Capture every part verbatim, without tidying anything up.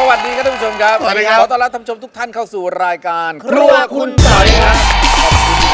วัสดีครับท่านผู้ชมครับสวัสดีครับขอต้อนรับท่านผู้ชมทุกท่านเข้าสู่รายการครัวคุณต่อยครับขอบคุณ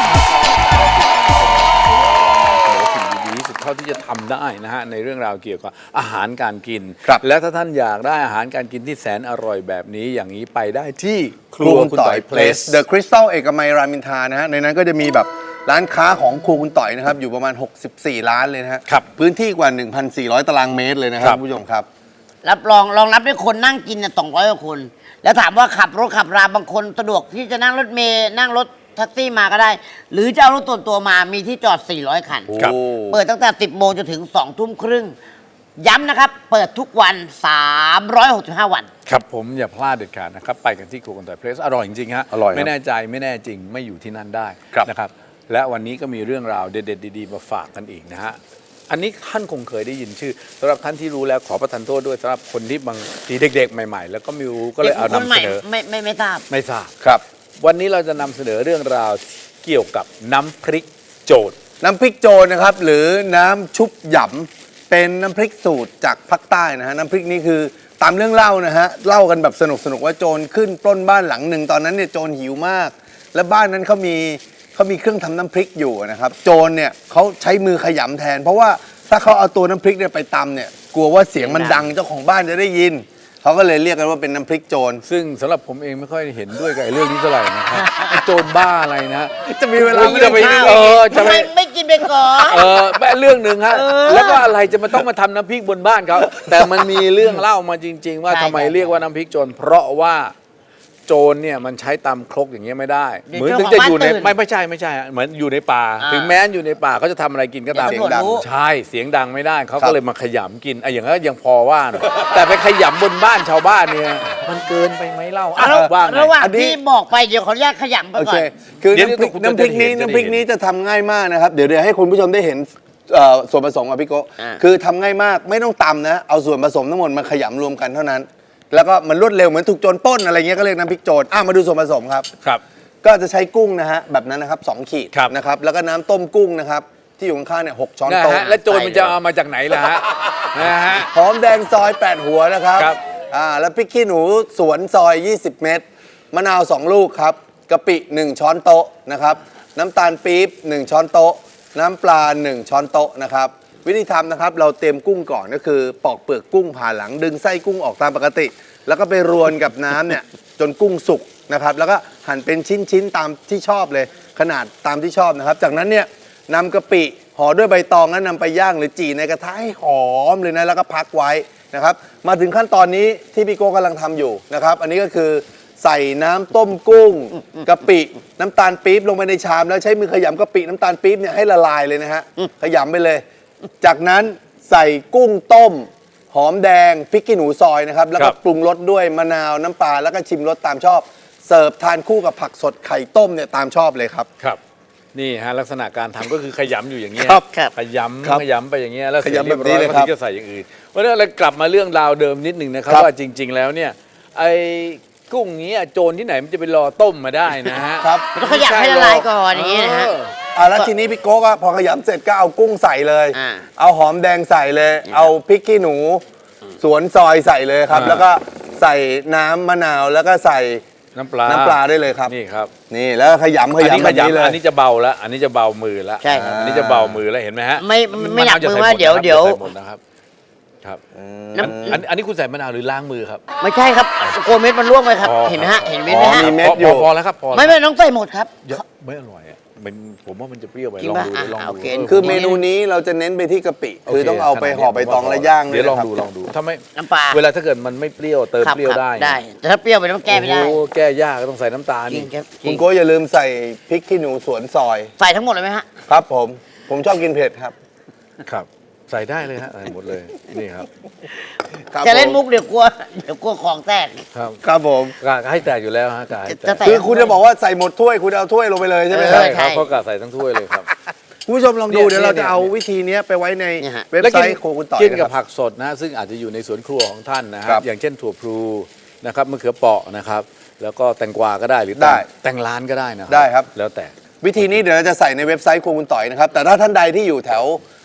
ครับสิ่งดีๆสุดเท่าที่จะทำได้นะฮะในเรื่องราวเกี่ยวกับอาหารการกิน และถ้าท่านอยากได้อาหารการกินที่แสนอร่อยแบบนี้อย่างนี้ไปได้ที่ครัวคุณต่อยเพลส The Crystal เอกมัยรามอินทรานะฮะในนั้นก็จะมีแบบร้านค้าของครัวคุณต่อยนะครับอยู่ประมาณหกสิบสี่ร้านเลยนะฮะครับพื้นที่กว่า หนึ่งพันสี่ร้อย ตารางเมตรเลยนะครับคุณผู้ชมครับรับรองรองรับด้วยคนนั่งกินเนี่ยสองร้อยกว่าคน แล้วถามว่าขับรถขับราบางคนสะดวกที่จะนั่งรถเมล์นั่งรถแท็กซี่มาก็ได้ หรือจะเอารถตัวนตัวมามีที่จอดสี่ร้อยคันครับเปิดตั้งแต่สิบโมงจนถึงสองทุ่มครึ่งย้ำนะครับ เปิดทุกวันสามร้อยหกสิบห้าวันครับผมอย่าพลาดเด็ดขาดนะครับไปกันที่ครัวคุณต่อยเพลสอร่อยจริงๆฮะอร่อยครับไม่แน่ใจไม่แน่จริงไม่อยู่ที่นั่นได้ครับนะครับและวันนี้ก็มีเรื่องราวเด็ดๆดีๆมาฝากกันอีกนะฮะอันนี้ท่านคงเคยได้ยินชื่อสำหรับท่านที่รู้แล้วขอประทานโทษด้วยสำหรับคนที่บางทีเด็กๆ ใหม่ๆ แล้วก็ไม่รู้ก็เลยเอาคนนำใหเสม่นอไม่ไม่ไม่ทราบไม่ทราบครับวันนี้เราจะนำเสนอเรื่องราวเกี่ยวกับน้ำพริกโจดน้ำพริกโจรนะครับหรือน้ำชุบหยำเป็นน้ำพริกสูตรจากภาคใต้นะฮะน้ำพริกนี้คือตามเรื่องเล่านะฮะเล่ากันแบบสนุกสนุกว่าโจรขึ้นปล้นบ้านหลังหนึ่งตอนนั้นเนี่ยโจรหิวมาก และบ้านนั้นเขามีเขามีเครื่องทำน้ำพริกอยู่นะครับโจรเนี่ยเขาใช้มือขยำแทน เพราะว่าถ้าเขาเอาตัวน้ำพริกเนี่ยไปตำเนี่ยกลัวว่าเสียงมันดังเจ้าของบ้านจะได้ยินเขาก็เลยเรียกกันว่าเป็นน้ำพริกโจรซึ่งสำหรับผมเองไม่ค่อยเห็นด้วยกับไอ้เรื่องนี้เท่าไหร่นะครับไอ้โจรบ้าอะไรนะจะมีเวลาไม่จะได้ไปข้าวเออจะทำไปไมไม่กินไปก่อนเออแม่เรื่องหนึ่งฮะเออแล้วก็อะไรจะมาต้องมาทำน้ำพริกบนบ้านเขาแต่มันมีเรื่องเล่ามาจริง ๆ ว่าใช่ทำไมใช่เรียกว่าน้ำพริกโจรเพราะว่าโจรเนี่ยมันใช้ตำครกอย่างเงี้ยไม่ได้เดี๋ยวเหมือนเจ้าถึงจะอยู่ในของบ้านตื่นไม่ไม่ใช่ไม่ใช่ฮะเหมือนอยู่ในป่าอ่าถึงแม้อยู่ในป่าเขาจะทำอะไรกินก็ตามเดี๋ยวตำรวจรู้ใช่เสียงดังไม่ได้เขาครัก็บเลยมาขยำกินไอ้อย่างนั้นยังพอว่าหน่อยแต่ไปขยำบนบ้านชาวบ้านเนี่ยมันเกินไปไหมเล่าอ่ะระว่าไงระหว่างอันนี้ที่บอกไปเดี๋ยวขออนุญาตขยำไปโอก่เคอนคือเดี๋ยวน้ำพริกคุณจะน้ำพริกนี้ได้เห็นน้ำพริกนี้จะได้เห็นจะทำง่ายมากนะครับ เดี๋ยวเดี๋ยวให้คุณผู้ชมได้เห็นเอ่อส่วนผสมกับพี่โกะอ่าคือทำง่ายมากไม่ต้องตำนะ เอาส่วนผสมทั้งหมดมาขยำรวมกันเท่านั้น แล้วก็มันรวดเร็วเหมือนถูกโจรปล้นอะไรเงี้ยก็เรียกน้ำพริกโจรอ่ะมาดูส่วนผสมครับครับก็จะใช้กุ้งนะฮะแบบนั้นนะครับสองขีดครับนะครับแล้วก็น้ำต้มกุ้งนะครับที่อยู่ข้างๆเนี่ยหกช้อนนะโต๊ะฮะแล้วโจรมันจะเอามาจากไหนล่ะฮะนะฮะหอมแดงซอยแปดหัวนะครับครับอ่าแล้วพริกขี้หนูสวนซอยยี่สิบเม็ดมะนาวสองลูกครับกะปิหนึ่งช้อนโต๊ะนะครับน้ำตาลปี๊บหนึ่งช้อนโต๊ะน้ำปลาหนึ่งช้อนโต๊ะนะครับวิธีทำนะครับเราเตรียมกุ้งก่อนก็คือปอกเปลือกกุ้งผ่าหลังดึงไส้กุ้งออกตามปกติ แล้วก็ไปรวนกับน้ำเนี่ยจนกุ้งสุกนะครับแล้วก็หั่นเป็นชิ้นๆตามที่ชอบเลยขนาดตามที่ชอบนะครับจากนั้นเนี่ยนำกะปิห่อด้วยใบตองแล้วนำไปย่างหรือจี่ในกระทะให้หอมเลยนะแล้วก็พักไว้นะครับมาถึงขั้นตอนนี้ที่พี่โก้กำลังทำอยู่นะครับอันนี้ก็คือใส่น้ำต้มกุ้งกะปิน้ำตาลปี๊บลงไปในชามแล้วใช้มือขยำกะปิน้ำตาลปี๊บเนี่ยให้ละลายเลยนะฮะขยำไปเลย จากนั้นใส่กุ้งต้มหอมแดงพริกขี้หนูซอยนะครับแล้วคก็รับปรุงรสด้วยมะนาวน้ำปลาแล้วก็ชิมรสตามชอบ เสิร์ฟทานคู่กับผักสดไข่ต้มเนี่ยตามชอบเลยครับครับนี่ฮะลักษณะการทำก็คือขยำอยู่อย่างเงี้ยครับครับขยำครับขยำไปอย่างเงี้ยแล้วเสร็จขยำแบบนี้เรียบร้อยเลยครับก็ถึงจะใส่อย่างอื่นวันนี้เรากลับมาเรื่องราวเดิมนิดหนึ่งนะครับครับว่าจริง ๆ แล้วเนี่ยไอ้กุ้งนี้โจรที่ไหนมันจะไปรอต้มมาได้นะฮะครับมันต้องขยำให้ละลายก่อนอย่างนี้นะฮะเอออ่าแล้วทีนี้พี่โก้ก็พอขยำเสร็จก็เอากุ้งใส่เลยอ่าเอาหอมแดงใส่เลย เอาพริกขี้หนู สวนซอยใส่เลยครับอ่าแล้วก็ใส่น้ำมะนาวแล้วก็ใส่น้ำปลาน้ำปลาได้เลยครับนี่ครับนี่แล้วขยำขอันนี้ยำขแบบนี้เลยยำอันนี้จะเบาแล้วอันนี้จะเบามือแล้วใช่ครับอันนี้จะเบามือแล้วเห็นไหมฮะไม่ไม่ไม่หนักะวจะมือใส่ว่าหดเดี๋ยวนะครับเดี๋ยวใส่หมดนะครับครับน้อันอันนี้คุณใส่มะนาวหรือล้างมือครับำไม่ใช่ครับกลัวเม็ดมันร่วงไปครับอ๋อเห็นไหมฮะเห็นเม็ดไหมอ๋อฮะมีเม็ดพออยู่พอแล้วครับพอแล้วไม่ไม่ต้องใส่หมดครับเยอะไม่อร่อยอ่ะมันผมว่ามันจะเปรี้ยวไปจริงลองป่ะดูดิลองอ่ะดูโอเคอคือเมนูนี้เราจะเน้นไปที่กะปิโคือต้องเอาไปห่อใบตองและย่างเดี๋ยวลองนะครับดูลองดูถ้าไม่น้ำปลาเวลาถ้าเกิดมันไม่เปรี้ยวเติมครับเปรี้ยวครับได้ได้ แต่ถ้าเปรี้ยวไปแล้วมันแก้ไม่ได้โอ้โหแก้ยากก็ต้องใส่น้ำตาลจรินี่งครับจคุริณงโก้อย่าลืมใส่พริกขี้หนูสวนซอยใส่ทั้งหมดเลยไหมฮะครับผม ผมชอบกินเผ็ดครับครับ ใส่ได้เลยฮะใส่หมดเลยนี่ครับครับจะเล่นผมุกเดี๋ยวกลัวเดี๋ยวกลัวของแตกครับครับผมกะให้แตกอยู่แล้วฮะกะให้แตจะกแตคือคุณจะบอกว่าใส่หมดถ้วยคุณเอาถ้วยลงไปเลยใช่ไหมเอคอรับใช่ครับเขากะใส่ทั้งถ้วยเลยครับคุณผู้ชมลองดูเนี่ยเดี๋ยวเราเนี่ยจะเอาวิธีนี้ไปไว้ในเนี่ยฮะเว็บแล้วไซกินต์โคคุณต่อยกินนะกับครับผักสดนะซึ่งอาจจะอยู่ในสวนครัวของท่านนะฮะครับอย่างเช่นถั่วพลูนะครับมะเขือเปราะนะครับแล้วก็แตงกวาก็ได้หรือได้แตงร้านก็ได้นะได้ครับแล้วแต่วิธีนี้เดี๋ยวเราจะใส่ในเว็บไซต์โคคุณต่อยนะครับ แต่ถ้าท่านใดที่อยู่แถว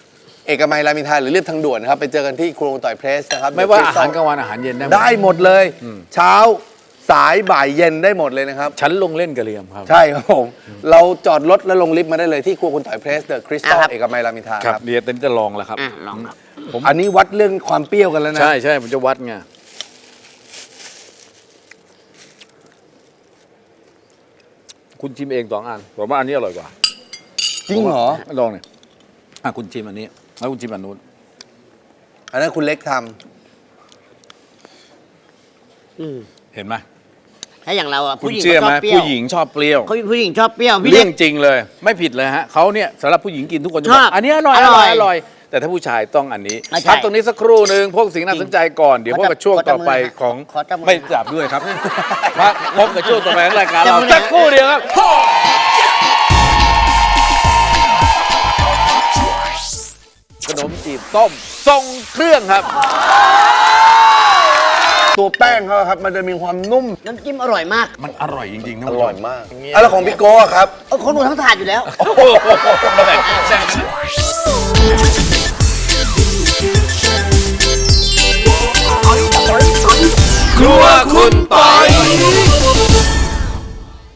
เอกมัยรามอินทราหรือเรียบทางด่วนนะครับไปเจอกันที่ครัวคุณต่อยเพรสนะครับไม่ว่าเดี๋ยอาหารกลางวันอาหารเย็นได้หมดได้หมดเลย เช้าสายบ่ายเย็นได้หมดเลยนะครับฉันลงเล่นกระเรียมครับใช่ครับผม เราจอดรถแล้วลงลิฟต์มาได้เลยที่ครัวคุณต่อยเพรสเดอะคริสตัลอ่ะครับเอกมัยรามอินทราคครับ รับเดี๋ยวเต้นจะลองแล้วครับอ่ะลองครับผมอันนี้วัดเรื่องความเปรี้ยวกันแล้วนะใช่ใช่ผมจะวัดไงคุณชิมเองสองอันผมว่าอันนี้อร่อยกว่าจริงเหรอลองเนี่ยอ่ะคุณชิมอันนี้แล้วคุณชิมอันนู้นอันนั้นคุณเล็กทอืมเห็นไหมถ้าอย่างเราอะคุณผู้หญิงเชื่อก็ชไหมอบเปรี้ยวผู้หญิงชอบเปรี้ยวเขาผู้หญิงชอบเปรี้ยวพี่เรื่เล็อก งจริงเลย ไม่ผิดเลยฮะเขาเนี่ยสำหรับผู้หญิงกินทุกคนจะบชออก บอันนี้อร่อยออร่ร่ออย ยอร่อย แต่ถ้าผู้ชายต้องอันนี้ไม่ใช่พักตรงนี้สักครู่หนึ่งพวกสิ่งน่าสนใจก่อนเดี๋ยวพบกับช่วงต่อไปของขอจับมือไม่จับด้วยครับพักพบกับช่วงต่อไปของรายการจับเรามือสักครู่เดียวครับ ขนมจีบต้มทรงเครื่องครับำตัวแป้งเขาครับ มันจะมีความนุ่มน้ำจิ้มอร่อยมากมันอร่อยจริงๆนะอร่อยมากอ่ะแล้วของพี่โก้อะครับเออคนดูทั้งถาดอยู่แล้วโอ้โหมาแบ่งแบ่งกัน